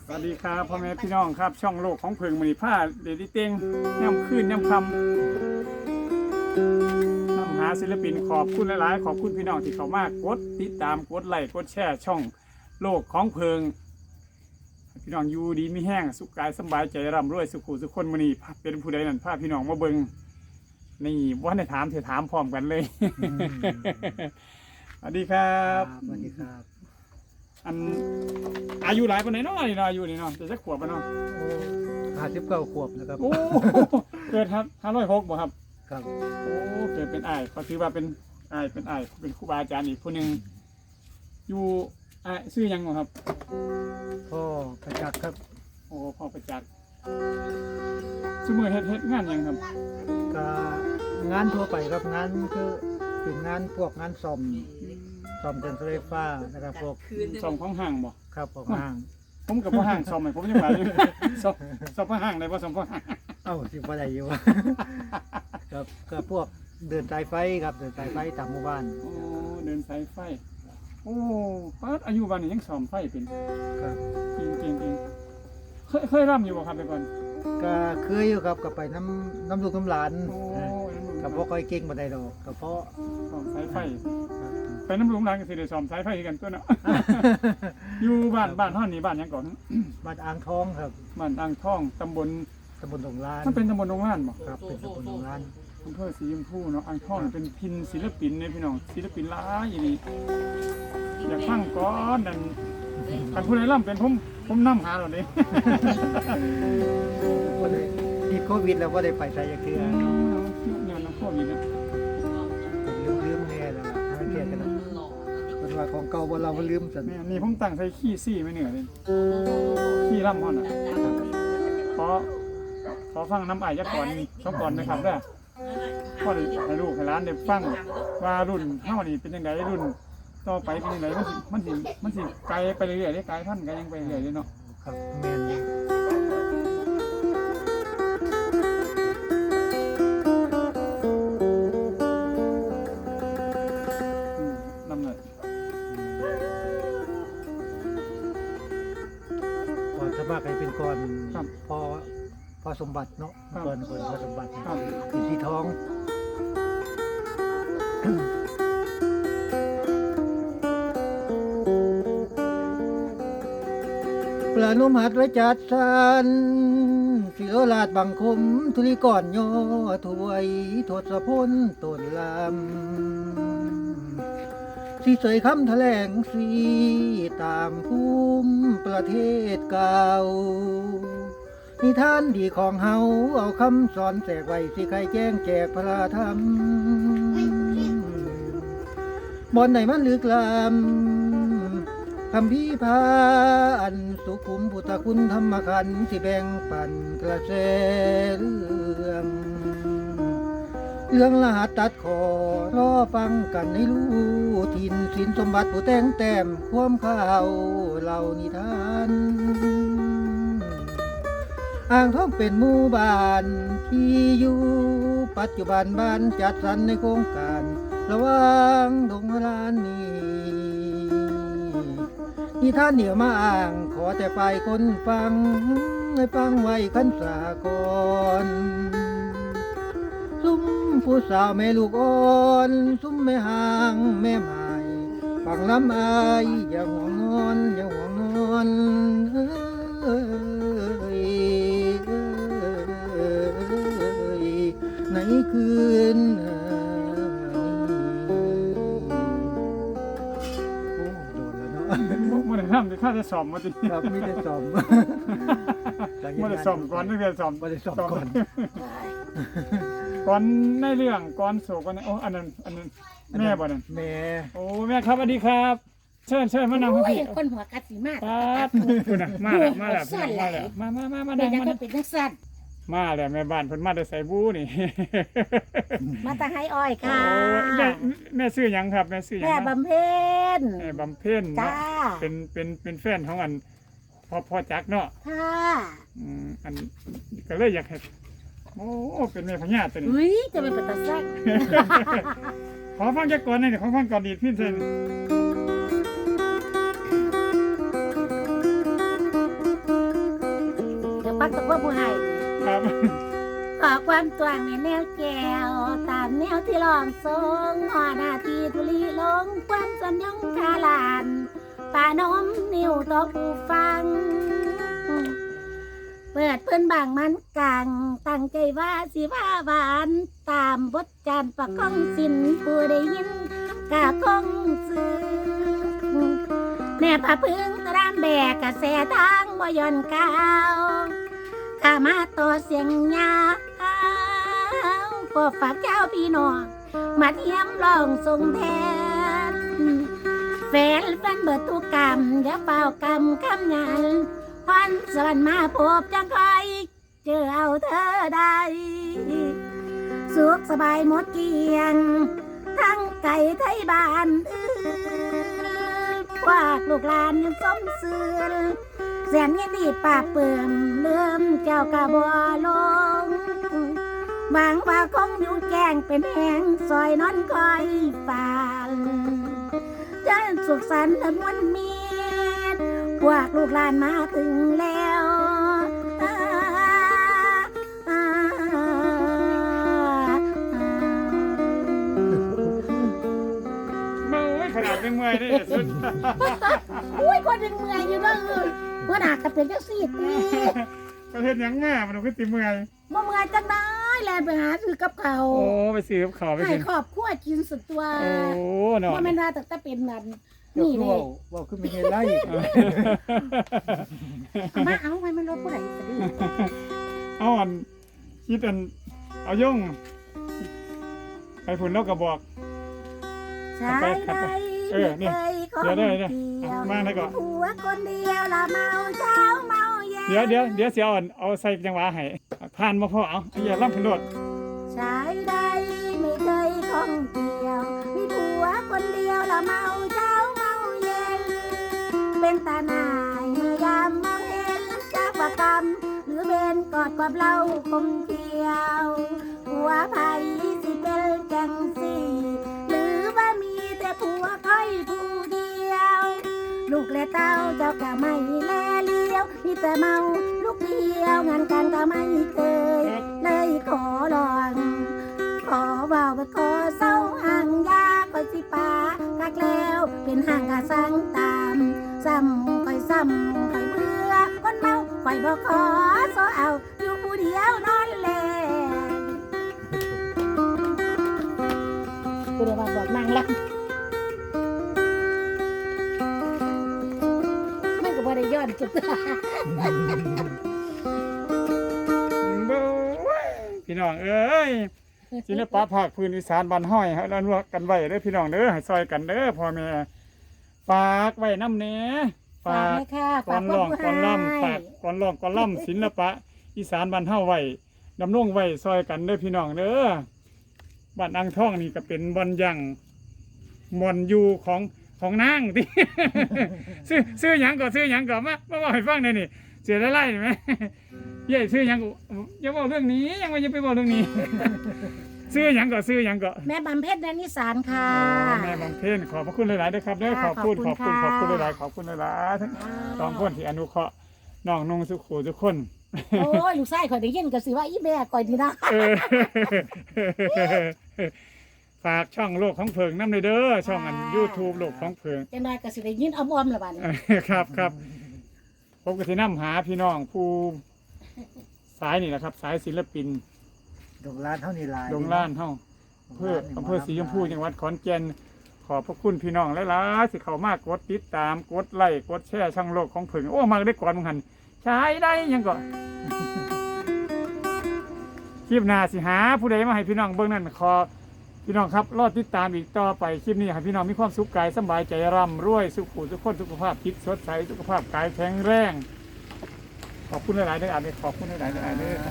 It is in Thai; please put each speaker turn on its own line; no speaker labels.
สวัสดีครับพ่อแม่พี่น้องครับช่องโลกของเพิงมณีผ้าเดดิเต็งย่ำขึ้นย่ำคำนำหาศิลปินขอบคุณหลายๆขอบคุณพี่น้องที่เข้ามากดติดตามกดไลค์กดแชร์ช่องโลกของเพิงพี่น้องอยู่ดีไม่แห้งสุขกายสบายใจร่ำรวยสุขุสุขคนมณีเป็นผู้ใดนั่นพาพี่น้องมาเบิงนี่ว่าในถามเธอถามพร้อมกันเลยสวัสดีครับ
สวัสดีครับ
อันอายุหลายปานไหนเนาะนี่เนาะอายุนี่เนาะจะสักขวบปะเนาะ
59 ขวบนะครับ
โอ้เกิดครับ506บ่ครับ
ครับ
โอ้เกิดเป็นอ้ายเขาถือว่าเป็นอ้ายเป็นครูบาอาจารย์อีกผู้หนึงอยู่อ้ายชื่อหยังบ่ครับ
พ่อประจักษ์ครับ
โอ้พ่อประจักษ์ซุมื้อเฮ็ดงานหยังครับ
ก็งานทั่วไปครับงานคือเป็นงานพวกงานซ่อมเครื่องใช้ไฟฟ้านะครับพวก
ซ่อมของห้างบ่
ครับของห้าง
ผมกับพ่อห้างซ่อมให้ผมยังว่าอยู่ซ่อมพ่อห้างได้บ่ซ่อมพ่อห้าง
เอ้าสิบ่ได้อยู่ ครับก็พวกเดินสายไฟครับเดินสายไฟตามหมู่บ้าน
โอ้เดินสายไฟโอ้ป้าดอายุบ้านนี้ยังซ่อมไฟเป็น
ครับ
จริงเคยร่ำอยู่บ่ครับไปก่อน
ก็เคยอยู่ครับก็ไปน้ำลูกน้ำหลาน
โอ้ย
ก็บ่ค่อยเก่งปานใดดอกก็เพราะ
ซ่อมสายไฟ
ครับ
ไปน้ำหลวงร้านก็สิได้ซ่อมสายไฟคือกันตัวเนาะ อยู่บ้านฮ้อนนี่บ้านหยังก่อน
บ้านอ่างทองครับ
บ้านอ่างทองตำบล
ตำบลดงลาน
มันเป็นตำบลดงล้านบ่
ครับเป็นตำบลดงลาน
อำเภอสีชมพูเนาะอ่างทองเป็นพินศิลปินเนี่ยพี่น้องศิลปินหลายอีนี่อยากฟังก่อนนั่นคันผู้ใดร่ำเป็นผมนำหาแล้วเด้
บ่ได้ติดโควิดแล้วบ่ได้ไปไสจักเทื่อ
เนี่ยน้ำโควิดนะ
ลืมแน่แล้วล่ะไม่เทียกันนะเป็นว่าของเก่าบ่เราบ่ลืมสัน
แม่นี่ผมตั้งใส่ขี้ซี่ไว้เหนือเลยขี้ร่ำฮ้อนน่ะขอฟังน้ำอ้ายยักษ์ก่อนช่องก่อนนะครับเด้อพ่อได้ให้ลูกให้หลานได้ฟังว่ารุ่นเฮานี่เป็นจังไดรุ่นต่อไปเป็นจังไดมันสิไกลไปเรื่อยๆเด้ไกลพันธุ์ไกลยังไปเรื่อยๆเด้เนาะ
ครับแม่นอยู่
นำเลย
ก่อนสมัครให้เป็นก่อนพอสมบัติเนาะก่อนพอสมบัติ
ครับ
เป็นที่ท้องประนุมหัดไว้จัดสรรศิโรราชบังคมธุลีก่อนย่อถวยทศพลต้นลำสีเสยคำแถลงสีตามภูมิประเทศเก่านิทานดีของเฮาเอาคำสอนแจกไว้สิใครแจ้งแจกพระธรรมบอนไหนมันลึกลำคำพี่พาอันสุขุมพุทธคุณธรรมขันธ์ที่แบ่งปันกระแสเรื่องรหัสตัดคอรอฟังกันให้รู้ทินสินสมบัติผู้แต่งแต้มความข่าวเล่านิทานอ่างทองเป็นหมู่บ้านที่อยู่ปัจจุบันบ้านจัดสรรในโครงการระหว่างดงลานนี้นิทานเดี่ยวมาอ่างขอแต่ไปคนฟังให้ฟังไว้ขันสากรซุ้มผู้สาวแม่ลูกอ่อนซุ้มแม่ห่างแม่ไม้ฟังลำอายอย่าห่วงนอนอย่าห่วงนอนในคืน
บ่ได้ทำแต่ข้าจะสอบมาติ
ครับไม่ได้สอบ
บ่ได้สอบก่อนนึกว่าสอบ
ไม่ได้สอบก่อน
ก่อนในเรื่องก่อนโศกก่อนโอ้อันนั้นแม่บ่นั่น
แม่
โอ้แม่ครับสวัสดีครับ เชิญมานั่ง
โอ้
พี่
ยคนหัวกัดสีมาก
ป๊าดคุณน่ะมาแล้วพี่น้องมาแล้วมา
เป็
นั่
น
ง
ยัง
มา
ไง
นั่ง
เป็นนักสัตว์
มาแล้วแม่บ้านเพิ่นมาได้ใส่บูนี่
มาตาให้อ้อยค่ะ
โอ้แม่ซื้อหยังครับแม่ซื้อหยัง
แม่
นะ
บำเพ็ญ
แม่บำเพ็ญ
จ้า
เนาะเป็นแฟนของอันพ่อจักเนาะ
ค่ะ
อันก็เลยอยากให้โอ้เป็นแม่พญาตัวนี้
อุ้ยจะเป็นปัตตาสัก
ขอฟังจักก่อนหน่อยขอฟังก่อนดีดพี่เซน
งตัวผู้ให้
ครับ
ขอความตวงในแนวแก้วตามแนวที่ลองทรงหอนาทีทุลีลงความสัญญงคาลานป่านมนิ้วต่อผู้ฟัง เปิดเพิ่นบางมันกังตั้งใจว่าสิว่าหวานตามบทจานประกองสินผู้ได้ยินกะคงซื้อแม่พาพึ่งตรามแบกกระแสทางบ่ย่อนก้าวข้ามาต่อเสียงยาวก็ฝากเจ้าพี่น้องมาเทียมลองทรงแทนแฟนเบิดทุกกรรมอย่าเป่ากรรมคำยันพันสวรรค์มาพบจังคอยเจอเอาเธอได้สุขสบายหมดเกลียงทั้งไก่ไทยบ้านพวกลูกหลานยังสมซื่อแสนยินดีป่าเปิ่มเลื่อมเจ้ากะบัวลงหวังว่าคงอยู่แจ้งเป็นแห่งซอยนอนคอยฝ่านจะสุขสันต์และมวลมีพวกลูกหลานมาถึงแล้ว
เมื่อยขนาดเป็นเมื่อยนี่สุด
อุ้ยคนยังเมื่อยอยู่เด้อว่าหนักก็เป็นจังซี่ติ
ประเทศยังแม่มันก็ติเมื่อย
บ่เมื่อยจังได้แล่นไปหาซื้อกับเขาว
โอ้ไปซื้อกับข้าวไป
ให้
กิน
ครอบครัวกินสุดตัว
โอ้เนาะ
บ่แม่นว่าตั้งแต่เป็นนั่น
ยก
นี่
ตัว
แน่
ว่าคือมีเงินไล่
เอามาเอาไว้มันรถผู้ใดสิ
เอาอันคิดอันเอาย่งไปผุนแล้วก็บอก
ใช่ได้
เออเนี่ย
เดี๋ยว
เดี๋ยวมาได้ก่อน
ผัวคนเดียวละเมาเช้าเมาเย็น
เดี๋ยวเสียอ่อนเอาใส่จังหวะให้ผ่านมาพ่อเอาอย่าล่ำขึ้นโดด
ใช้ได้ไม่เคยข้องเกี่ยว มีผัวคนเดียวละเมาเช้าเมาเย็น เป็นตาหน่ายเมื่อยามมองเห็นจากประกรรมหรือเป็นกอดกับเราคมเที่ยวผัวไผ่สิเป็นจังสี่หรือว่ามีแต่ผัวค่อยผู้เดียว ลูกและเต้าเจ้าก็ไม่แลเลี้ยวมีแต่เมาลูกเดียวงานการก็ไม่เคย เลยขอลองขอเบาไปขอเศร้าห่างยาคอยสิปากักแล้วเป็นห่างกะสังตามซ้ำคอยเบื่อคนเมาคอยบอกขอโซเอาอยู่ผู้เดียวนอนแลกูเลยมาบอกนางละมันก็บ่ได้ย้อนจุด
พี่น้องเอ้ยศิลปะภาคพื้นอีสานบ้านห้อยให้เรานวกกันไว้เด้อพี่น้องเด้อให้ซอยกันเด้อพ่อแม่ฝากไว้น้ำเน้ฝาก ก่อนร้องก่อนล่ำฝากก่อนร้องก่อนล่ำศิลปะอีสานบ้านเฮาไว้ดำรงไว้ซอยกันเด้อพี่น้องเด้อบ้านอ่างทองนี่ก็เป็นบ่อนยังบ่อนอยู่ของนางติ ซื้อหยังก็ซื้อหยังก็มาบอกให้ฟังหน่อยนี่เสียไล่ๆไหมเย้ซื้อหยังก็อย่าบอกเรื่องนี้ยังไม่จะไปบอกเรื่องนี้ ซื้อหยังก็ซื้อหยังก็
แม่บำเพ็ญแดนนิสานค่ะ
แม่บางเทนขอบพระคุณหลายๆด้วยครับเด้อขอบคุณหลายๆขอบคุณหลายๆทั้งสองคนที่อนุเคราะห์น้องนงสุขูทุกคน
โอ้ยลูกชายข่อยได้ยินก็สิว่าอีแม่ข่อยดีนะ
เออ ฝากช่องโลกของเพิงน้ำเลยเด้อช่องอัน YouTube โลกของเพิง
จังได๋ก็สิได้ยินอ้อมๆละบัดนี้
ครับผมก็สินำหาพี่น้องผู้สายนี่แหละครับ สายศิลปิน
ดงล้านเท่านี้ลาย
ดงล้านเฮาอำเภอศรีชมพูจังหวัดขอนแก่นขอบพระคุณพี่น้องหลายๆสิเข้ามากดติดตามกดไลค์กดแชร์ช่องโลกของเพิงโอ้มาได้ก่อนมึงหันใช้ได้ยังก่อน คลิปหน้าสิหาผู้ใดมาให้พี่น้องเบิ่งนั่นขอพี่น้องครับรอติดตามอีกต่อไปคลิปนี้ให้พี่น้องมีความสุขกายสบายใจร่ำรวยสุขุทุกคนสุขภาพจิตสดใสสุขภาพกายแข็งแรงขอบคุณหลายๆเด้อขอบคุณหลายๆเด้อ